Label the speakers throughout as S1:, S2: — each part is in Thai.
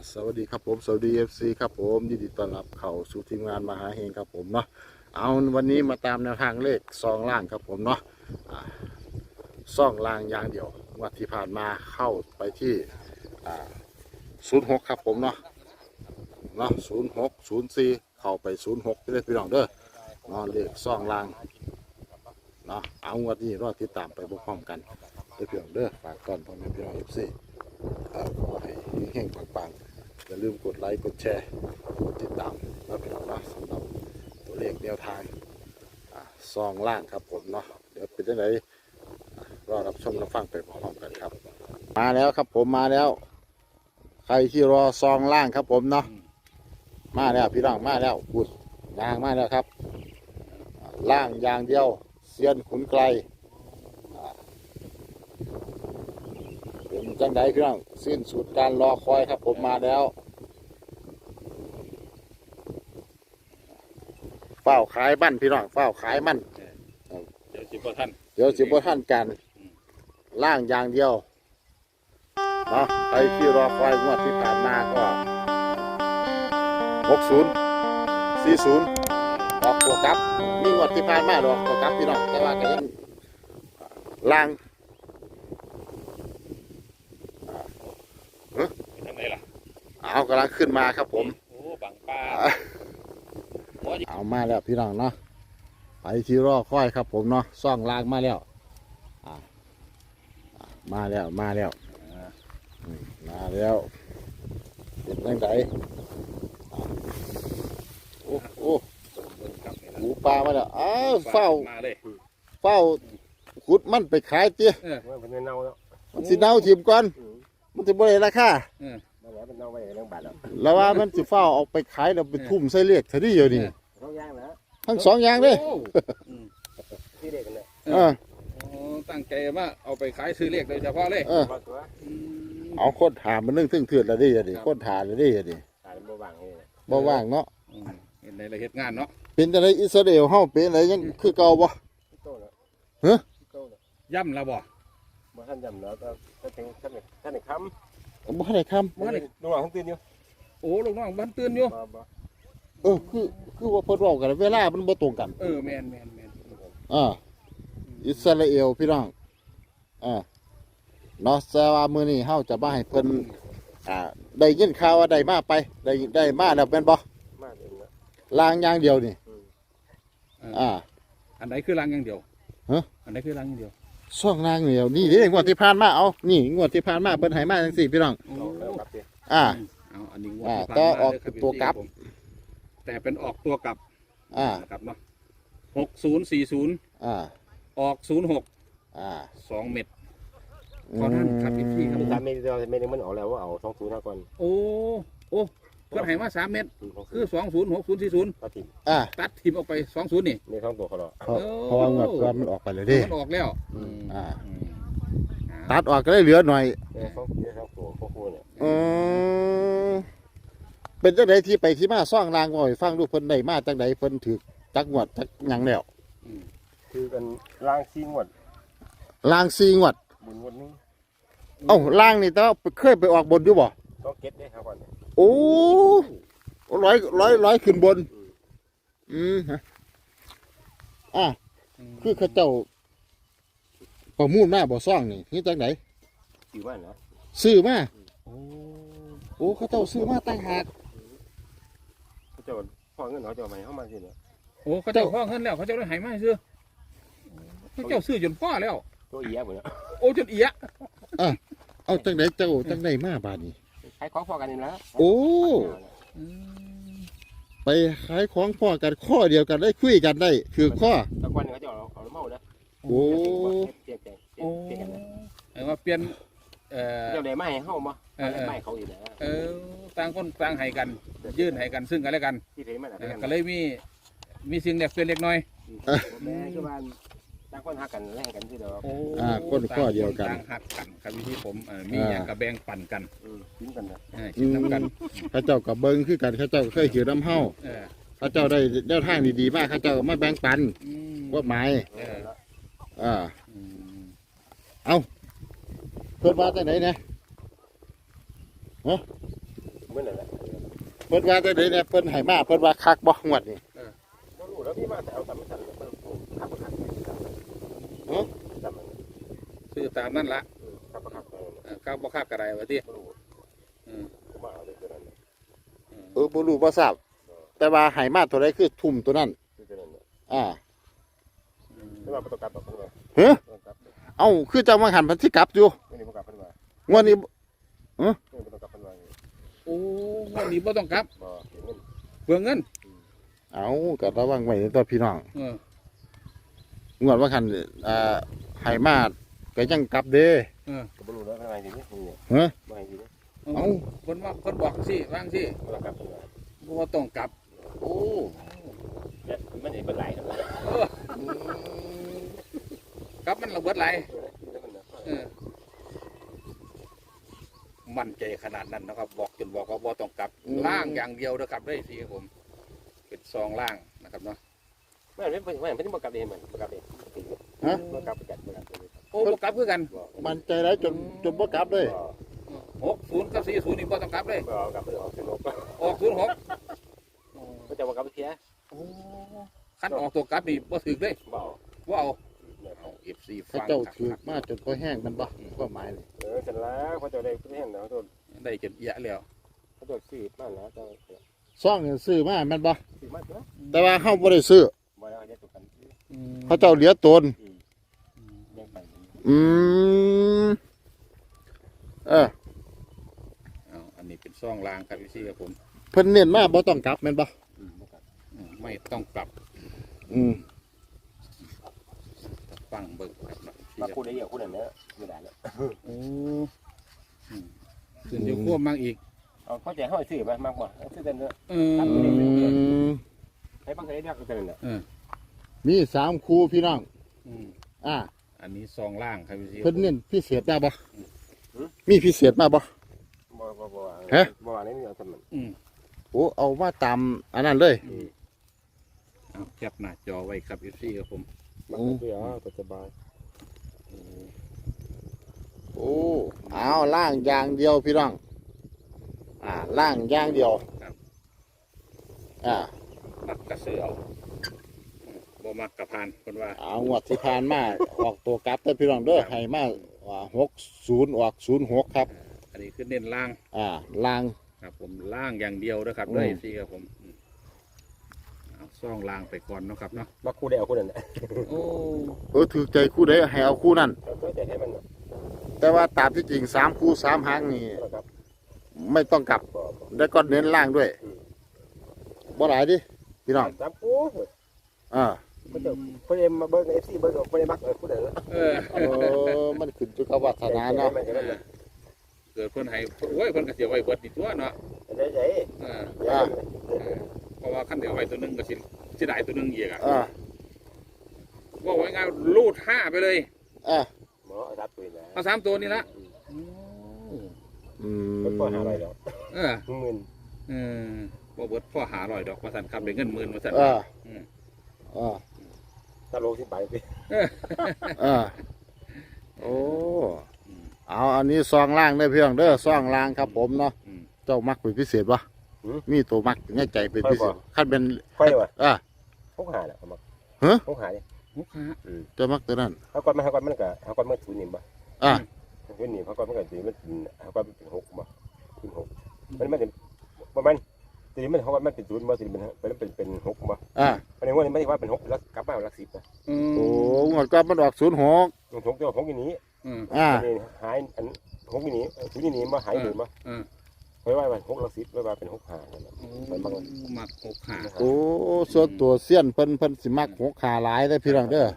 S1: สวัสดีครับผมสวัสดีFCครับผมยินดีต้อนรับเข้าสู่ทีมงานมหาเฮงครับผมเนาะเอาวันนี้มาตามแนวทางเลขซองล่างครับผมเนาะซองล่างอย่างเดียววันที่ผ่านมาเข้าไปที่06ครับผมเนาะ0604เข้าไป06ได้พี่น้องเด้อเนาะเลขซองล่างเนาะเอาวันนี้รอติดตามไปพร้อมๆกันเด้อพี่น้องเด้อฝากก่อนพ่อแม่พี่น้อง FC ขอให้เฮงๆปังๆอย่าลืมกดไลค์กดแชร์กดติดตามแล้วพี่น้องนะสำหรับตัวเลขแนวทางซองล่างครับผมเนาะเดี๋ยวเป็นยังไงรอรับชมรับฟังไปพร้อมๆกันครับมาแล้วครับผมมาแล้วใครที่รอซองล่างครับผมเนาะมาแล้วพี่น้องมาแล้วพูดยางมาแล้วครับล่างอย่างเดียวเซียนขุนไกลเป็นจังไดพี่น้องสิ้นสุดการรอคอยครับผมมาแล้วเฝ้าขายมั่นพี่น้องเฝ้าขายมั่น
S2: เดี๋ยวสิบ่ท่าน
S1: กันล่างอย่างเดียวเนาะใครที่รอคอยงวดที่ผ่านมาก็60 40ออกตัวกลับมีงวดที่ผ่านมาออกตัวกลับพี่น้องแต่ว่าก็ยังล่าง
S2: ทางไหนล่ะ
S1: เอากำลังขึ้นมาครับผม
S2: โอ้บังป้า
S1: เอามาแล้วพี่น้องเนาะไปที่รอคอยครับผมเนาะซ่องลางมาแล้วมาแล้วเป็นยังไงโอ้หูปลามาแล้วอ้าวเฝ้าขุดมันไปขายเตี้ย
S3: มันเป็นเน่าแล้ว
S1: มันสิเน่าถิ่มก่อนมันจะบ่ได้ราคา
S3: เป็นเน่าไปเรื่องบาท
S1: แล้วว่ามันสิเฝ้าออกไปขายแล้วไปทุ่มใส่เลขเท่านี้อยู่นี่ทั้งสองอย่างเลย
S3: ที่เด็กกันเลย
S2: ตั้งใจว่าเอาไปขายซื้อเลขโดยเฉพาะเลย
S1: เอาโคตรถามมันนึ่งถึงเถื่อนละดิดิโคตรถามละดิดิบ่ว่างเนาะ
S2: เห็นในรายเหตุงานเนาะ
S1: เป็นอะไรอิสราเอลเฮาเป็นอะไรยังคือเก่าบ่ฮะ
S2: ย่ำแล้วบ่
S3: ท่านย่ำแล้วก็ถึงท่านไหนคำ
S1: บ่ได้คำ
S3: ลูกน้องตื่นอยู่
S2: โอ้ลูกน้องบ้านตื่นอยู่
S1: คือว่าเพิ่นบอกกันเวลามันบ่ตรงกัน
S2: แม่น
S1: อิสราเอลพี่น้องเนาะแต่ว่ามื้อนี้เฮาจะมาให้เพิ่นได้ยินข่าวว่าได้มาไปได้มาแล้วแม่นบ่ลางอย่างเดียวนี่
S2: อันไหนคือรางอย่างเดียวอันไหนคือรางอย่างเดียว
S1: ช่องลางเดียวนี่เด้งวดที่ผ่านมาเอานี่งวดที่ผ่านมาเพิ่นให้มาจังซี่พี่น้อง
S2: อันนี้งวดที่ผ่านมา
S1: ก็ออกตัวกลับ
S2: แต่เป็นออกตัวกลับครับเนาะ6040ออก06 2 เม็ดขอท่านขับอีกที่ครับ
S3: 3 เม็ดเดียวเม็ดนึงมันออกแล้วว่าเอา20ก่อน
S2: โอ้เพิ่นให้มา3 เม็ดคือ20 60 40ตัดทิมออกไป20นี่
S3: ใน2ตัวเขาหรอ
S1: เพราะว่ามันออกไปเลยดิ
S2: มันออกแล้ว
S1: ตัดออกก็ได้เหลือหน่อย
S3: 2ตัวคู่เนี่ย
S1: เป็นจังไดที่ไปที่มาซ่องรางบ่อยฟังดูเพิ่นได้มาจังไดเพิ่นถือจักงวดจักหยังแล้ว
S3: คือกันล่าง4 งวด
S1: ล่าง4 งวด
S3: บนงวดนึง
S1: ล่างนี่แต่ว่าเคยไปออกบนอยู่บ่
S3: ต้องเก็ตได้ครับก่อน
S1: โอ้ร้อยขึ้นบนคือเขาเจ้าประมูลมาบ่ซ่องนี่จังไดซื้อมาโอ้เขาเจ้าซื้อมาตั้งหาก
S3: เขาเจ้าพ่อเงินเขาเจ้าใหม่เข้ามาสิเนี่ย
S2: โอ้เขาเจ้าพ่อเงินแล้วเขาเจ้าได้หายมาซื้อเขาเจ้าซื้อจนพ่อแล้ว
S3: ตัวเอียหมดแล้ว
S2: โอ้จนเอีย
S1: เอาจังไดเจ้าจังไดมาบาดนี้
S3: ขายของพ่อกันนี่แล้ว
S1: โอ้ไปขายของพ่อกันข้อเดียวกันได้คุยกันได้คือข้อ
S3: ตะวันเขาเจ้าเอาเมาแล้ว
S1: โอ้
S2: ว่าเปลี่ยน
S3: เจ้าไหนไม่ให้เข้ามาไม่เขาอยู่แล้ว
S2: ต่างคนต่างให้กันยื่นให้กันซึ่งกันและกันก็เลยมีสิ่งเล็กเป็นเล็กน้อย
S3: แม่คือบ้านต่างคนหักกันแลกกันที่เดียว
S1: คนข้อเดียวกัน
S2: ต่างหักกันครับที่ผมมีอย่างกับแบ่งปันกัน
S3: กินกัน
S2: กินน้ำกัน
S1: ข้าเจ้ากับเบิ้งคือกันข้าเจ้าเคยเขียวน้ำเห่าข้าเจ้าได้แนวทางดีๆมากข้าเจ้ามาแบ่งปันว่าหมายเอาเพิ่นมาจากไหนเนี่ย
S3: เหมือนนั่นแหละ
S1: เพิ่นว่าจังได๋เนี่ยเพิ่นให้มาเพิ่นว่าคักบ่งวดนี้
S3: บ่รู้แล้วพี่มาแต่เอาตามมันสั่นเบิ่งครับครับ
S1: ฮะ
S3: ตามมัน
S2: ซื้อตามนั่นละ
S3: ครับครับ
S2: ข้าวบ่คาบกระไรวะที่
S3: บ่รู้
S2: อืม
S3: มาเอาเลยตัวนั้น
S1: บ่รู้บ่ทราบแต่ว่าให้มาตัวใดคือทุ่มตัวนั้น
S3: คือตัวนั้น
S1: อ่า
S3: ไม่ว่าประตูกลับแบบนี้
S1: เฮ้อ
S3: ประตูกลับ
S1: เอ้าคือจังว่าหันเพิ่นสิกลับอยู่
S3: ไม่ได้ประกลับเป็นว่าง
S1: วดนี้
S3: ไม่ได้ประตูกลับเป็นว่า
S2: โอ้วันนี้บ่ต้องกลับ
S3: บ่เงิน
S2: เบื่อเงิน
S1: เอ้าก็ระวังไว้ตัวพี่น้อง
S2: เออง
S1: วดว่าหันให้มาก็ยังกลับเด้
S3: ก็บ่รู้แล้วทำไมทีนี้
S1: ฮะ
S3: บ่ให้ทีนี้
S1: เอ้า
S2: คนว่าคนบอกสิว่างสิ
S3: ประตูกลับเป็นว่า
S2: บ่ต้องกลับ
S1: โอ้
S3: เนี่ยมันจะเป็นไหลนะ
S2: เออกลับมันระเบิดไหลเออมั่นใจขนาดนั้นนะครับ บอกจนบอกว่าบ่ต้องกลับล่างอย่างเดียวนะครับได้สิครับผมเป็นซองล่างนะครับเนาะ
S3: ไม่ไม่ไม่ประกลับเองมันประกลับเอง
S1: ฮะ
S3: ประกลับประกลับประกลับ
S2: โอ้บ่กลับคือกัน
S1: มันใจแล้วจนบ่กลับเลย
S2: 60กับ40นี่บ่ต้องกลับเลย
S3: บ่กลับไปออกสนุก
S2: ออก06
S3: ก็จะประกลับเสีย
S2: โอ้คันออกตัวกลับนี่บ่ถึกเลย
S3: บ่
S2: ว่าเอาเอา FC
S1: เขา
S2: ฟัง
S1: เจ้า
S2: ครับ
S1: ถือมาจนพอแห้งมันบ่ความหมายนี่
S3: เสร็จแล้วเขาจะได้เพื่อนแล้วตัว
S2: ได้จนเอียแล้ว
S3: เขาจะซื้อบ้านแล้วจะ
S1: ซ่องนี่ซื้อมาแม่นบ่
S3: ซื้อมาตัว
S1: แต่ว่าเฮาบ่ได้ซื้อ
S3: บ่ได้เอาเนี่ยตัวกัน
S1: เขาเจ้าเหลือตน
S3: ยังไป
S1: อืมเออ
S2: เอาอันนี้เป็นซองรางครับพี่ซี่ครับผม
S1: เพิ่นเน้นมาบ่ต้องกลับแม่นบ่
S2: ไม่ต้องกลับ
S1: อืม
S2: ฟังเบิ่งครับเนาะ
S3: มาคู่ได้เยอะคู่นั้นเนี่ยไม่ได้แล้ว
S2: โอ้ขึ้นอยู่ควบมั่งอีก
S3: เอาเข้าใจเขาซื้อมามากกว่าซื้อเต็มเลย
S2: เออ
S1: อืม
S3: ให้บางทีเรียกกันเนี่ย
S1: มี3คู่พี่น้อง
S2: อืม
S1: อ่า
S2: อันนี้ซองล่างครับพี่ซี่
S1: เพิ่นเน้นพิเศษมาบ่มีพิเศษมาบ่
S3: บ่อันนี้เอาทำมัน
S2: อืม
S1: โอ้เอามาตามอันนั้นเลย
S2: เอาแคปหน้าจอไว้ครับพี่ซี่ครับผม
S3: มันก็เดี๋ยวสบาย
S1: โอ้เอาล่างอย่างเดียวพี่น้องล่างอย่างเดียวอ่า
S2: มักกระเสือเอาบ่มักกระพานคนว่า
S1: เอางวดที่ผ่านมาออกตัวกลับแต่พี่น้องเด้อให้มา60ออก06ครับ
S2: อันนี้คือเน้นล่าง
S1: ล่าง
S2: ครับผมล่างอย่างเดียวนะครับเลยพี่ครับผมเอาซองล่างไปก่อนเนาะครับเนาะ
S3: มาคู่ได้เอาคู่นั้นแหละ
S2: โอ้
S1: ถือใจคู่ใดให้เอาคู่นั้น
S3: ก็จะให้มัน
S1: แต่ว่าตามที่จริง3คู่3หางนี่
S3: ครับ
S1: ไม่ต้องกลับแล้วก็เน้นล่างด้วยบ่หลายดิพี่น้อง
S3: สามคู่ มันจะเพื่อนมาเบิ้งเอฟซีเบิ้งเพื่อนมักคู่เด้อ
S1: มันขึ้นอยู่กับวาสนาเนาะ
S2: เกิดเพิ่นให้โอ้ยเพิ่นก็เสียไว้เบิดนี่ตัวเนาะ
S3: ได้ใจ
S2: เพราะว่าขั้นเดียวไว้ตัวหนึงก็สิได้ตัวหนึงอีกอ่ะ ว่าไว้ง่ายรูด5ไปเลย
S3: หมอรับปืนนะ
S2: เอา3ตัวนี่ละ
S3: มันก็หาอะไรแล้ว
S2: เออ
S3: หมื่น
S2: บ่เบิดพ่อหา100ดอกว่าซั่นครับได้เงิน10,000ว่าซั่น
S3: ถ้าโลสิบใบไป
S1: โอ้เอาอันนี้ซองล่างได้เพียงเด้อซองล่างครับผมเนาะเจ้ามักเป็นพิเศษวะมีตัวมักในใจเป็นพิเศษขั้นเป็น
S3: ค่อยวะ
S1: พ
S3: กหาแหละเขามักพกหาเนี่ย
S1: เจ้ามักตัวนั้น
S3: เขาก่อนมันก็เขาก่อนมันศูนย์นี่บ่ ศูนย์นี่เขาก่อนมันก็ศูนย์มันเขาก่อนเป็น6บ่เป็น6มันเป็นประมาณทีนี้มันเขาก่อนมันเป็นศูนย์บ่ทีนี้มันเป็น6บ่อันนี้ว่าไม่ได้ว่าเป็น6แล้วกลับมาหลัก10นะ
S1: โอ้งวดก็มันออก06
S3: 6จะ6อย่างนี้หายอัน6อย่างนี้ศูนย์อย่างนี้บ่หายหรือบ่ไว้ว่ามัน6หลัก10ไว้ว่าเป็น6หานั่นแหละมันมัก
S2: มัก6หา
S1: โอ้ส่วนตัวเสี้ยนเพิ่นสิมัก6ขาหลายได้พี่น้องเด้อ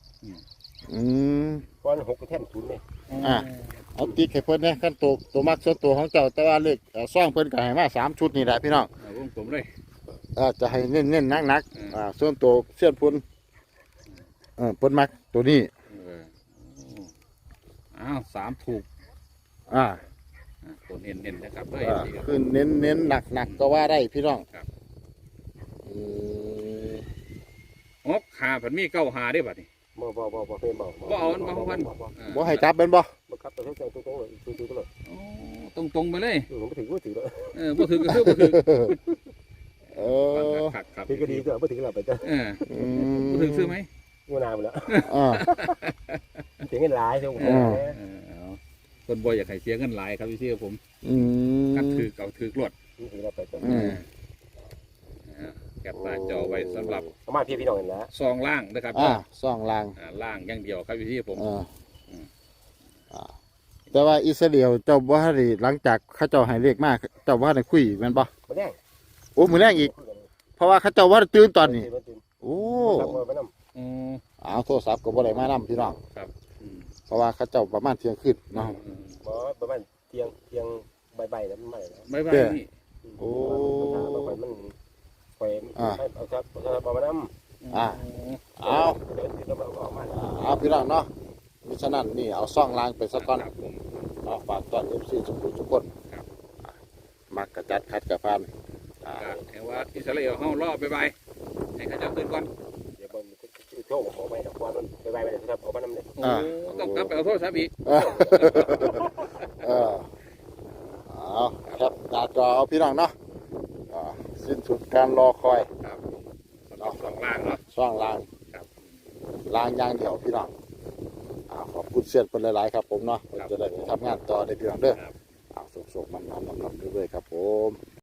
S3: ก้อน6ก็แท่นศูนย์นี่
S1: เอาติ๊กให้เพิ่นนะขั้นตัวมักส่วนตัวของเจ้าแต่ว่าเลขซ่องเพิ่นก็ให้มา3ชุดนี่แหละพี่น้อง
S2: วงกลมเลย
S1: จะให้เน้นๆหนักส่วนตัวเสี้ยนพุ่นเพิ่นมักตัวนี้
S2: อ้าว3ถูกตัวเน้นๆนะครับเลย
S1: คือเน้นหนักก็ว่าได้พี่น้อง
S2: 6หาเพิ่นมี9หาได้บัดนี้
S3: บ่เพิ่นบ่
S2: บ่เอามันบ่เพิ่น
S1: บ่ให้จับเป็นบ่
S3: บ่ครับตัวเจ้าตัวเลยตัวเลย
S2: ตตรงไปเลย
S3: ผมถึงก็ถือแล้ว
S2: บ่ถือก็คือบ่ถือ
S1: เออ
S2: ครับ
S3: ถือก็ดีตัวบ่ถือเราไปจ้ะ
S1: อืม
S2: บ่ถือซื้อไหม
S3: งูนาไปแล้ว
S1: อ่า
S3: ถึงเงินหลายเท่าไหร่
S2: เอาคนบ่อยากให้เสียเงินหลายครับพี่ชื่อผม
S1: อืม
S2: กัดถือเก่าถือรวด
S3: ถือเราไปจ้ะ
S1: อืม
S2: แคปหน้าจอไว้สำหรับ
S3: ประมาณพี่น้องเห็นแล้ว
S2: ซองล่างนะครับ
S1: ซ่องลาง
S2: ล่างอย่างเดียวครับพี่ชื่อผม
S1: อ่าแต่ว่าอิสราเอลเจ้าบ่ทันได้หลังจากเขาเจ้าให้เลขมาเจ้าบ่ทันได้คุยแม่นบ่
S3: มาแดง
S1: โอ้มื้อแรงอีก เพราะว่าเขาเจ้าว่าตื่นตอนนี้ โอ้
S3: มาน้
S2: อืม
S1: เอาโทรศัพท์ก็บ่ได้มานํพี่น้อง
S2: อืม
S1: เพราะว่าเขาเจ้าประมาณเที่ยงคืนเนาะ
S3: ำประมาณเที่ยงใบๆแล้วมันใหม่แล้ว
S2: บ๊ายบาย
S1: เด้อ
S2: นี่
S1: โอ้
S3: มันไฟเอาครับเอามาน้ำ
S1: อ่าเอา
S3: เดี๋ยวเราเอามา
S1: เอาพี่น้องเนาะมิฉะนั้นนี่เอาซ่องลางไปซะก่อน
S2: ครับผม
S1: เอาฝากตอน FC ทุกคนมักกระจัดคัดกระพันอ่า
S2: ก็เห็นว่าอิสราเอลเฮารอบ๊ายบายให้เขาเจ้าตื่นก่อน
S3: เดี๋ยวมันโชว์ขอไปดอกบอลมันใบๆไปเลยครับเอามาน้ำเลย
S2: โอ้ต้องกลับไปเอาโทรศัพท์อีก
S1: เออเอาครับหน้าจอเอาพี่น้องเนาะอ่าสิ้นสุดการรอคอย
S2: ครับสำหรับสองล่างเนาะ
S1: ซ่องลาง
S2: ครับ
S1: ลางอย่างเดียวพี่น้องขอบคุณเสียนเป็นหลายๆครับผมเนาะจะได้ไปทำงานต่อในพี่น้องเด้อ
S2: ครับ
S1: สุกๆมันๆเรื่อยๆครับผม